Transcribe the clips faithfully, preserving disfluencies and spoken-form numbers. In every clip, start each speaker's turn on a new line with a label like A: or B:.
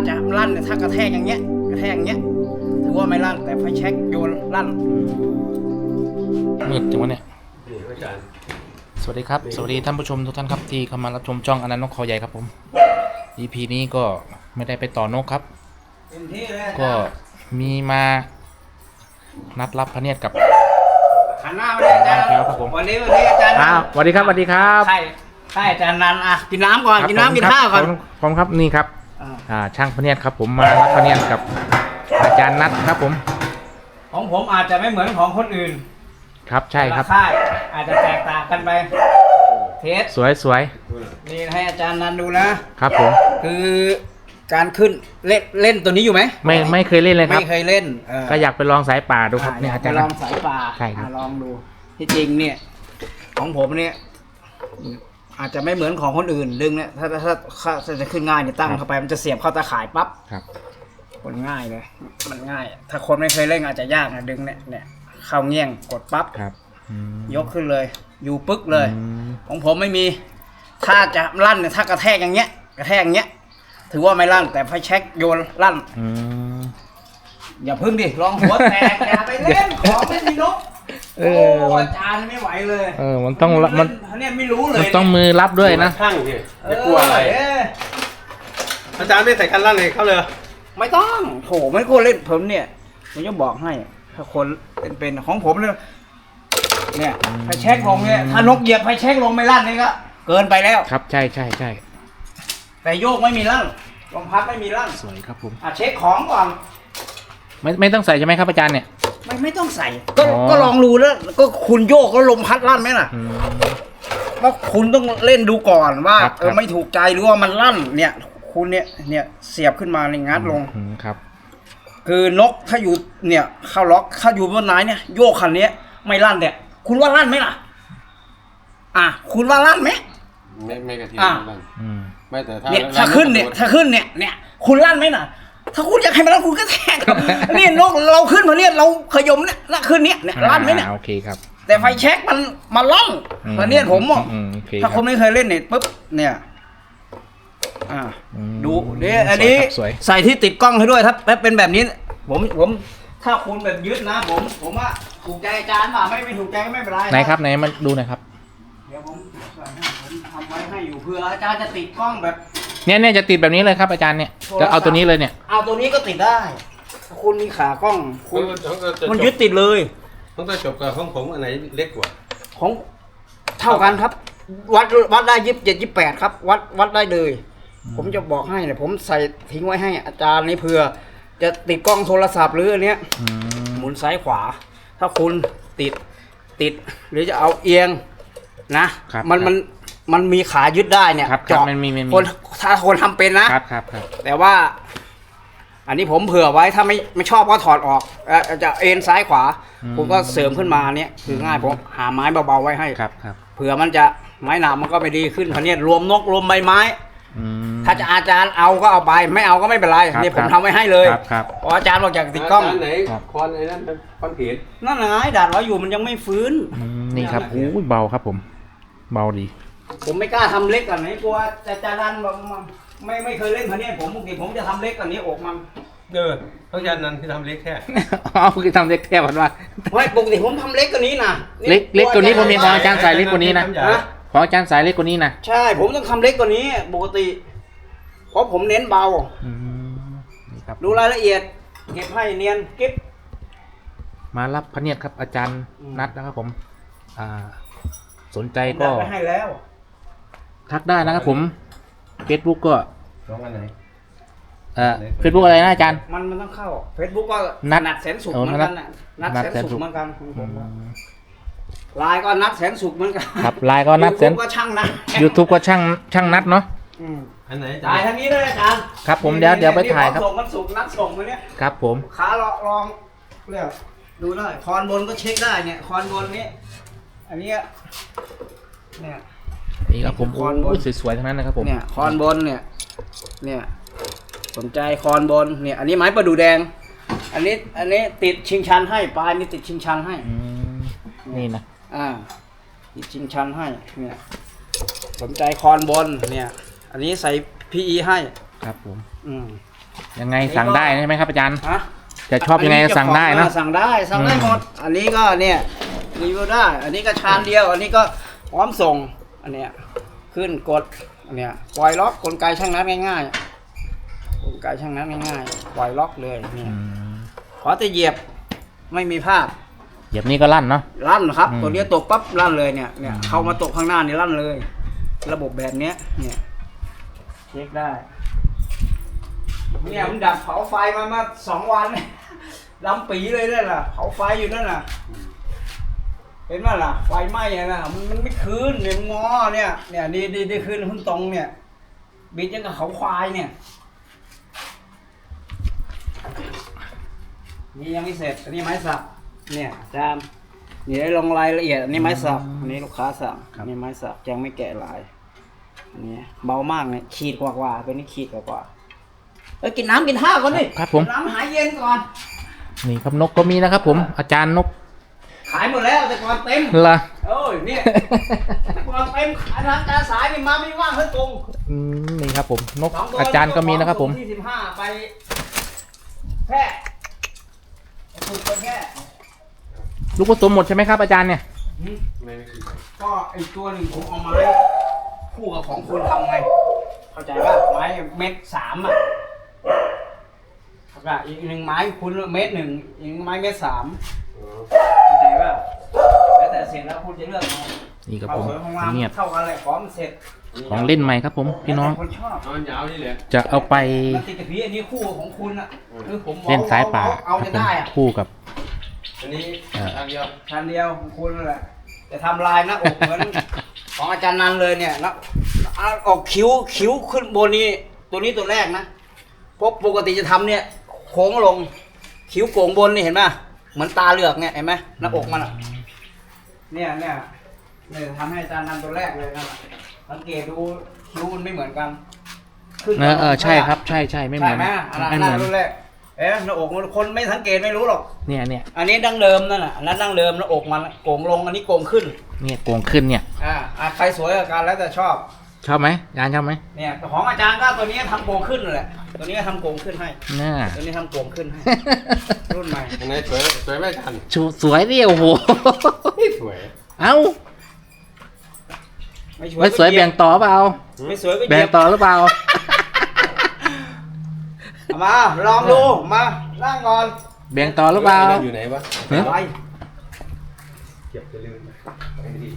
A: จะลั่นถ้ากระแทกอย่างเงี้ยกระแทกอย่างเงี้ยถือว่าไม่ลั่นแต่ไฟแช็กโยนลั่น
B: มืดจังวะเนี่ยสวัสดีครับสวัสดีท่านผู้ชมทุกท่านครับที่เข้ามารับชมช่องอนันต์นกคอใหญ่ครับผม อี พี นี้ก็ไม่ได้ไปต่อนกครับก็มีมานัดรับพระเนียดกับ
A: หันหน้ามาเลยอาจารย์ครับผมวันนี้วันนี้อาจารย์
B: อ้าวสวัสดีครับสวัสดีครับ
A: ใช่ใช่อาจารย์นันอ่ะกินน้ำก่อนกินน้ำกินข้าวก่อน
B: ผมครับนี่ครับอ่าช่างพระเนียดครับผมมารับพระเนียดกับอาจารย์นัดครับผม
A: ของผมอาจจะไม่เหมือนของคนอื่น
B: ครับใช่ครับ
A: ค่ายอาจจะแตกต่างกันไปเทส
B: สวยสวย
A: นี่ให้อาจารย์นันดูนะครับ
B: ผม
A: คือการขึ้นเล่นเล่นตัวนี้อยู่ไหม
B: ไม่ไม่เคยเล่นเลยครับ
A: ไม่เคยเล่น
B: ก็อยากไปลองสายป่าดูครับ
A: เนี่ยอาจารย์ลองสายป่า
B: ใช่ครับ
A: ลองดูที่จริงเนี่ยของผมเนี่ยอาจจะไม่เหมือนของคนอื่นดึงเนี่ยถ้าถ้าถ้าจะขึ้นง่ายเนี่ยตั้งเข้าไปมันจะเสียบเข้าตาข่ายปั๊บมันง่ายเลยมันง่ายถ้าคนไม่เคยเล่นอาจจะยากนะดึงเนี่ยเนี่ยเข้าเงี้ยงกดปั๊บยกขึ้นเลยอยู่ปึ๊กเลยของผมไม่มีถ้าจะลั่นเนี่ยถ้ากระแทกอย่างเงี้ยกระแทกอย่างเงี้ยถือว่าไม่ลั่นแต่ไฟแช็กโยนลั่นอย่าพึ่งดิลองหัวแตกอย่าไปเล่นของไม่มีนกโอ้อาจารย์ไม่ไหวเลย
B: เออมันต้องมัน
A: เนี่ยไม่รู้เลย
B: มันต้องมือรับด้วยนะ
C: ข้างพี่ไม่กลัวอะไรอาจารย์ไม่ใส่กันลั่นเลยเข้าเลย
A: ไม่ต้องโถไม่ควรเล่นผมเนี่ยผมจะบอกให้ถ้าคนเป็นของผมเนี่ยเนี่ยไฟแช็กลงเนี่ยถ้านกเหยียบไฟแช็กลงไม่ลั่นนี่ก็เกินไปแล้ว
B: ครับใช่ใช่ใช่
A: แต่โยกไม่มีลั่นลมพัดไม่มีลั่น
B: สวยครับผม
A: อ่ะเช็คของก่อน
B: ไม่ไม่ต้องใส่ใช่ไหมครับอาจารย์เนี่ย
A: ไม่ไม่ต้องใส่ก็ก็ลองดูแล้วก็คุณโยกแล้วลมพัดลั่นไหมล่ะเพราะคุณต้องเล่นดูก่อนว่าเออไม่ถูกใจหรือว่ามันลั่นเนี่ยคุณเนี่ยเนี่ยเสียบขึ้นมาในงัดลง
B: ครับ
A: คือนกถ้าอยู่เนี่ยเข้าล็อกถ้าอยู่บนไหนเนี่ยโยกคันนี้ไม่ลั่นเนี่ยคุณว่าลั่นไหมล่ะอ่ะคุณว่าลั่นไหม
C: ไม่ไม่กระเทียมลั่น
A: ไม่แต่ถ้าเนี่ยถ้าขึ้นเนี่ยถ้าขึ้นเนี่ยเนี่ยคุณลั่นไหมล่ะถ้าคุณอยากให้มันลั่นคุณก็แทงนี่นกเราขึ้นมาเนี่ยเราขยมเนี่ยละขึ้นเนี่ยเนี่ยลั่นไหมเนี่ย
B: โอเคครับ
A: แต่ไฟแช็กมันมาลั่นตอนนี้ผมอ่ะถ้าคนไม่เคยเล่นเนี่ยปุ๊บเนี่ยอ่าดูเนี่ยอันนี้ใส่ที่ติดกล้องให้ด้วยถ้าเป็นแบบนี้ผมผมถ้าคุณแบบยึดนะผมผมว่าถูกใจอาจารย์ป่ะไม่ไม่ถูกใจก็ไม่เป็นไร
B: ไหนครับไหนมันดูหน่อยครับ
A: เดี๋ยวผมผมทำไว้ให้อยู่เพื่ออาจารย์จะติดกล้องแบบ
B: เนี่ยเนี่ยจะติดแบบนี้เลยครับอาจารย์เนี่ยจะเอาตัวนี้เลยเนี่ย
A: เอาตัวนี้ก็ติดได้คุณมีขากล้องคุณมันยึดติดเลย
C: ต้องจะจบกับของผมอันไหนเล็กกว่า
A: ของเท่ากันครับวัดวัดได้ยี่สิบเจ็ดยี่สิบแปดครับวัดวัดได้เลยผมจะบอกให้เนี่ยผมใส่ทิ้งไว้ให้อาจารย์นี่เผื่อจะติดกล้องโทรศัพท์หรืออันเนี้ยหมุนซ้ายขวาถ้าคุณติดติดหรือจะเอาเอียงนะมันมันมันมีขายึดได้เนี่ย
B: เจาะ
A: คนถ้าคนทำเป็นนะครับ
B: ครับครับ
A: แต่ว่าอันนี้ผมเผื่อไว้ถ้าไม่ไม่ชอบก็ถอดออกจะเอ็นซ้ายขวาผมก็เสริมขึ้นมาเนี่ยคือง่ายผมหาไม้เบาๆไว้ให้
B: ครับครับ
A: เผื่อมันจะไม้หนามันก็ไม่ดีขึ้นพันนี้รวมนกรวมใบไม้ถ้าจะอาจารย์เอาก็เอาไปไม่เอาก็ไม่เป็นไรนี่ผมทำไว้ให้เลยเพราะอาจารย์บอกอยากติดกล้อง
C: ไหนคอนไอ้นั่นคอนเขียน
A: นั่นไงดัดไว้อยู่มันยังไม่ฟื้น
B: นี่ครับโอ้ยเบาครับผมเบาดี
A: ผมไม่กล้าทำเล็กกันไหนกลัวอาจารย์นันบอกไม่ไม่เคยเล่นพันนี้ผมปกติผมจะทำเล็กกันนี้อกมัน
C: เอออาจารย์นันที่ทำเล็กแค่
B: อ๋อคือทำเล็กแค่วันว่า
A: ไม่ปกติผมทำเล็กกว่านี้นะ
B: เล็กเล็กกว่านี้ผมมีของอาจารย์สายเล็กกว่านี้นะของอาจารย์สายเล็กกว่านี้นะ
A: ใช่ผมต้องทำเล็กกว่านี้ปกติเพราะผมเน้นเบาดูรายละเอียดเก็บให้เนียนเก็บ
B: มารับพระเนียดครับอาจารย์นัดนะครับผมอ่าสนใจก็
A: ให้แล้ว
B: ทักได้นะครับผมเฟซบุ๊กก็
C: ร้องอันไหน
B: เอ่อเฟซบุ๊กอะไรนะอาจารย์
A: มันมันต้องเข้าเฟซบุ๊กก็นัดนัดแสนสุขเหมือนกันนัดแสนสุขเหมือนกันไลน์ก็นัดแสนสุขเหมือนกัน
B: ครับไลน์ก็นัดแสน
A: ก็ช่างนัด
B: ยูทูบก็ช่างช่างนัดเนาะ
C: อันไหน
A: ถ่ายทางนี้เลยอาจารย์
B: ครับผมเดี๋ยวเดี๋ยวไปถ่ายครับ
A: ส่งมันสุกนัดส่งมาเนี้ย
B: ครับผม
A: ขาลองลองเรียกดูได้คอนบนก็เช็คได้เนี่ยคอนบนนี้อันนี้เนี่ย
B: นี่ครับผมคอนบนสวยๆทั้งนั้นนะครับผม
A: เนี่ยคอนบนเนี่ยเนี่ยสนใจคอนบนเนี่ยอันนี้ไม้ประดู่แดงอันนี้อันนี้ติดชิงชันให้ปลายนี่ติดชิงชันให้
B: นี่นะ
A: อ่าติดชิงชันให้เนี่ยสนใจคอนบนเนี่ยอันนี้ใส่ พี อี ให้
B: ครับผม
A: อืม
B: ยังไงสั่งได้ใช่ไหมครับอาจารย์
A: ฮะ
B: จะชอบยังไงก็สั่งได้นะ
A: สั่งได้สั่งได้
B: อืม
A: หมดอันนี้ก็เนี่ยรีวิวได้ อันนี้ก็ชามเดียว อันนี้ก็พร้อมส่ง อันเนี้ยขึ้นกดอันเนี้ยปล่อยล็อกกลไกช่างนัดง่ายๆกลไกช่างนัดง่ายๆปล่อยล็อกเลยเนี่ย
B: อืม
A: ขอแต่เหยียบไม่มีภาพ
B: เหยียบนี่ก็ลั่นเนาะ
A: ลั่นครับ
B: อืม
A: ตัวนี้ตกปั๊บลั่นเลยเนี่ยเนี่ย
B: อืม
A: เข้ามาตกข้างหน้านี่ลั่นเลย ระบบแบบเนี้ยเนี่ยเช็คได้เนี่ยมันดับเผาไฟมามาสองวัน ดำปีเลยนั่นน่ะเผาไฟอยู่นั่นน่ะเห็นไหมล่ะไฟไหม้อะนะมันมันไม่คืนเนี่ยงอเนี่ยเนี่ยดีดีดีคืนขึ้นตรงเนี่ยบิดยังกับเขาควายเนี่ยนี่ยังไม่เสร็จอันนี้ไม้สักเนี่ยอาจารย์นี่ได้ลงรายละเอียดอันนี้ไม้สักอันนี้ลูกค้าสั่งอันนี้ไม้สักยังไม่แกะลายอันนี้เบามากเนี่ยขีดกว่ากว่าตัวนี้ขีดกว่ากว่าเอ้ยกินน้ำกินท่าก่อนดิ
B: ครับผม
A: กินน้ำหายเย็นก่อน
B: นี่ครับนกก็มีนะครับผม อาจารย์นก
A: ขายหมดแล้วแต่ก่อนเต็ม
B: ละ
A: โอ้ยเนี่ยแต่ก่อนเต็มขายทางการสายนี่มาไม่ว่างเฮ้ยตรง
B: อืมนี่ครับผมนก
A: สงตัว
B: อาจารย์ก็มีนะครับผม
A: ที่สิบห้าไปแพร่ถูกไปแค่
B: ลูกผสมหมดใช่ไหมครับอาจารย์เนี่ย
C: ไม่ไม่คือ
A: ก็ไอตัวหนึ่งผมเอามาให้คู่กับของคุณทำไง เข้าใจป่ะไม้เม็ดสามอ่ะแล้วก็อีกหนึ่งไม้คุณเม็ดหนึ่งอีกหนึ่งไม้เม็ดสามเข้าใจป่ะแล้วแต่เสร็จแล้วคุณจะเลือกเอา
B: นี่ครับ
A: เอา
B: ผม
A: สวยของงาม
B: เงียบ
A: เท่ากันเลยของมันเสร็จ
B: ของเล่นใหม่ครับผมพี่น้อง
A: แล้วแต่คนชอบ
C: นอนยาวนี่แหละ
B: จะเอาไป
A: มันติดกับพี่อันนี้คู่ของคุณอ่ะคือผม
B: เล่นสายป่า
A: เอา
B: ครั
A: จะ
B: บผม
A: ได้อ่ะ
B: คู่กับ
C: อันนี้
B: เอ่อ
C: ทางเดียว
A: ชันเดียวของคุณนั่นแหละจะทำลายหน้าอกเหมือน ของอาจารย์นันเลยเนี่ยนะเอาออกคิ้วคิ้วขึ้นบนนี้ตัวนี้ตัวแรกนะเพราะปกติจะทำเนี่ยโค้งลงคิ้วโก่งบนนี่เห็นไหมเหมือนตาเหลือกเนี่ยเห็นไหมหน้าอกมันอ่ะเนี่ยเนี่ยเนี่ยทำให้อาจารย์นันตัวแรกเลยนะสังเกตดูคิ้วมันไม่เหมือนกันขึ้น
B: เออเออใช่ครับใช่ใช่ไม่เหมือน
A: ใช่ไหมอันนั้น
B: ไม่
A: อัน
B: เห
A: นั้
B: มือน
A: นรุ่นแรกเอ๊ะหน้าอกมันคนไม่สังเกตไม่รู้หรอก
B: เนี่ยเนี่ย
A: อันนี้ดั้งเดิมนั่นน่ะอันนั้นดั้งเดิมหน้าอกมันโก่งลงอันนี้โก่งขึ้น
B: เนี่ยโกงขึ้นเนี่ย
A: อ่าอ่ะใครสวยกับกันแล้วแต่ชอบ
B: ชอบไหมอาจารย์ชอบไหม
A: เนี่ยของอาจารย์ก็ตัวนี้ทำโก่งขึ้นแหละตัวนี้ก็ทำโก่งขึ้นให้
B: น่า
A: ตัวนี้ทำโก่งขึ้นให้ รุ่นใหม่
C: อันไหนสวยสวยไหมทัน
B: ชูสวยดิโอ้โห
C: สวย
B: เอ้า
A: ไม่สวย
B: ไม่สวยแบ่งต่อเปล่า
A: ไม่สวยก็เห
B: แบ่
A: ยี
B: ง
A: ยบ
B: ต่อหรือเปล่า
A: เอามาลองดูมานั่งก่อน
B: แบ่งต่อหรือเปล่า
C: ไนั่นอยู่ไหนวะ
B: ฮะ
A: อะไร
C: เก็บจะลืมไม่ดี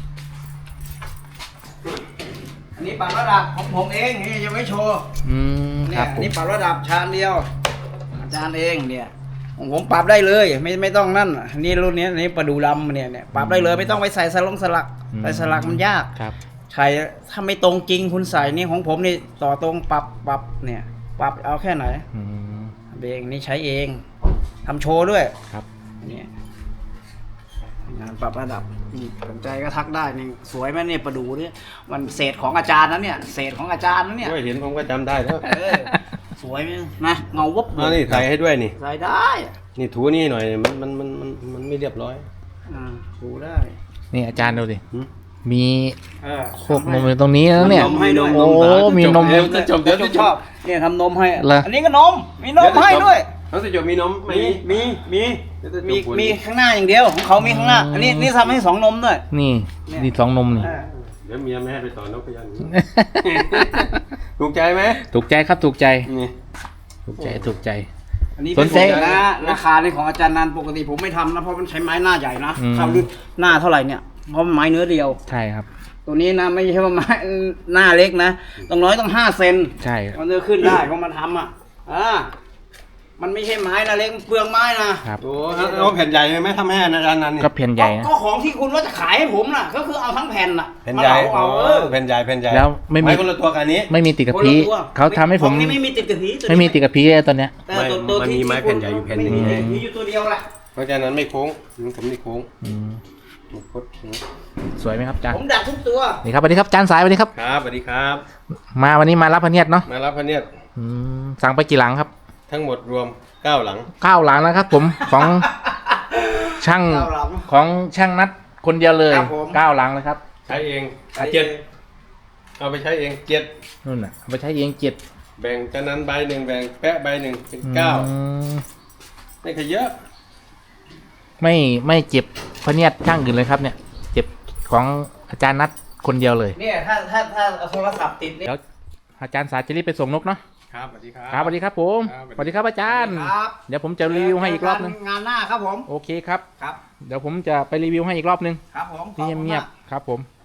A: อันนี้ปรับระดับของผมเองนี่ยังไม่โชว์
B: อืมค
A: เนี่
B: รั
A: ย
B: บ
A: อัน
B: ผม
A: นี้ปรับระดับชานเดียว อาจารย์เองเนี่ยของผมปรับได้เลย ไม่ไม่ต้องนั่นอันนี่รุ่นนี้อันนี้ประดูดำเนี่ยเนี่ยปรับได้เลยไม่ต้องไปใส่สลงสลักใส่สลักมันยาก
B: ครับ
A: ใช่ถ้าไม่ตรงจริงคุณใส่นี่ของผมนี่ต่อตรงปรับปรับเนี่ย ปรับเอาแค่ไหน
B: อืม
A: เองนี่ใช้เองทำโชว์ด้วย
B: ครับ
A: เนี่ยงานปรับระดับนี่สนใจก็ทักได้นี่สวยไหมเนี่ยประดูเนี่ยมันเศษของอาจารย์นะเนี่ยเศษของอาจารย์นะเนี่ย
C: โอ้ยเห็นผมก็จำได้แล้ว
A: เออสวยไหมนะเงาวับ
C: มานี่ใส่ให้ด้วยนี่
A: ใส่ได้
C: นี่ถูนี่หน่อยมันมันมันมันมันไม่เรียบร้อย
A: อ่าดูได้
B: นี่อาจารย์ดูดิ
C: หืม
B: มี
A: เออ
B: โคกนมอยู่ตรงนี้แล้วเนี่ย
A: นมให้ด้วย
B: โอ้มีนม
C: เดี๋ยวจะจบเดี๋ยว
A: ผ
C: จะ
A: ม
C: จ
A: ชอ
C: บบ
A: เนี่ยทำนมให้
B: เหรอ
A: อันนี้ก็นมมีนมให้ด้วย
C: เขาจะจบมีนมไหม
A: มีมีมี
C: เดี๋ยวจะจบ
A: มี
C: ปวด
A: มีข้างหน้าอย่างเดียวของเขามีข้างหน้า อันนี้นี่ทำให้สองนมด้วย
B: นี่
A: เนี่ย
B: นี่สองนมนี่
A: เออ
C: เดี๋ยวเมียไม่ให้ไปต่อนกพยันถูกใจไหม
B: ถูกใจครับถูกใจ
C: นี่
B: ถูกใจถูกใจ
A: อันนี้
B: สนใจ
A: เป็นนะราคาในของอาจารย์นันปกติผมไม่ทำนะเพราะมันใช้ไม้หน้าใหญ่นะ
B: อืม
A: เข้ารุ่นหน้าเท่าไหร่เนี่ยเพราะมันไม้เนื้อเดียว
B: ใช่ครับ
A: ตัวนี้นะไม่ใช่ว่าไม้หน้าเล็กนะต้องน้อยต้องห้าเซน
B: ใช่
A: มันจะขึ้นได้เพราะมันทำอ่ะอ่ามันไม่ใช่ไม้นะเล็กเปลืองไม้นะครับ
C: โอ้เอาแผ่นใหญ่ไหมทำให้อาจารย์นันนี่
B: ก็เพียนใหญ่นะ
A: ก็ของที่คุณว่าจะขายให้ผมน่ะ ก็คือเอาทั้งแผ่นน่ะ
C: แผ่นใหญ่
A: มาเหลา
C: อ๋อ
A: เอาเออ
C: แผ่นใหญ่แผ่นใหญ่
B: แล้วไม่มี
C: ไม้คนละตัวกันนี้
B: ไม่มีติดกับ
A: คน
B: พี
A: ละตัว
B: เขาทำให้ผม
A: ของนี่ไม่มีติดกับผีตัวนี้
B: ไม่มีติดกับพีเลยตอนเนี้ย
A: แต่ตัวตัว
C: มัน
A: ที่
C: มีไม้แผ่นใหญ่อยู่แผ่นหนึ่ง
A: ไม่มีผีอยู่ตัวเดียวแหละ
C: เพราะฉะนั้นไม่โค้งผมนี่โค้ง
B: อืม
C: มันคด
B: สวยไหมครับอาจารย์
A: ผมดักทุกตัว
B: นี่ครับสวัสดีครับอาจารย์สายสวัสดีครับ
C: ครับสวัสดีครับ
B: มาวันนี้มารับพระเนียดเนาะ
C: มารับพระเนียด
B: อืมสั่งไปกี่หลังครับ
C: ทั้งหมดรวมเก้าหลัง
B: เก้าหลังแล้วครับ ผมของช่าง
A: เก้าหลัง
B: ของช่างนัดคนเดียวเลย
A: ครับผม
B: เก้าหลังเลยครับ
C: ใช้เองเจ็ดเอาไปใช้เองเจ็ด
B: นู่นน่ะเอาไปใช้เองเจ็ด
C: แบ่งจานนั้นใบหนึ่งแบ่งแปะใบหนึ่งเป็นเก้า
B: อืม
C: ไม่เคยเยอะ
B: ไม่ไม่เจ็บพะเนียดช่างอื่นเลยครับเนี่ย เจ็บของอาจารย์นัดคนเดียวเลย
A: เนี่ยถ้าถ้าถ้าเอาโทรศัพท์ติดเนี่ย
B: เดี๋ยวอาจารย์สาจะรีบไปส่งนกเนาะ
C: ครับสวัสดีครับ
B: ครับสวัสดีครับผม
C: ครับ
B: สวัสดีครับอาจารย์
A: ครับ
B: เดี๋ยวผมจะรีวิวให้อีกรอบนึง
A: งานหน้าครับผม
B: โอเคครับ
A: ครับ
B: เดี๋ยวผมจะไปรีวิวให้อีกรอบนึง
A: ครับผม
B: ที่เงียบ
A: ขอบคุณมาก
B: ๆครับผม
A: ค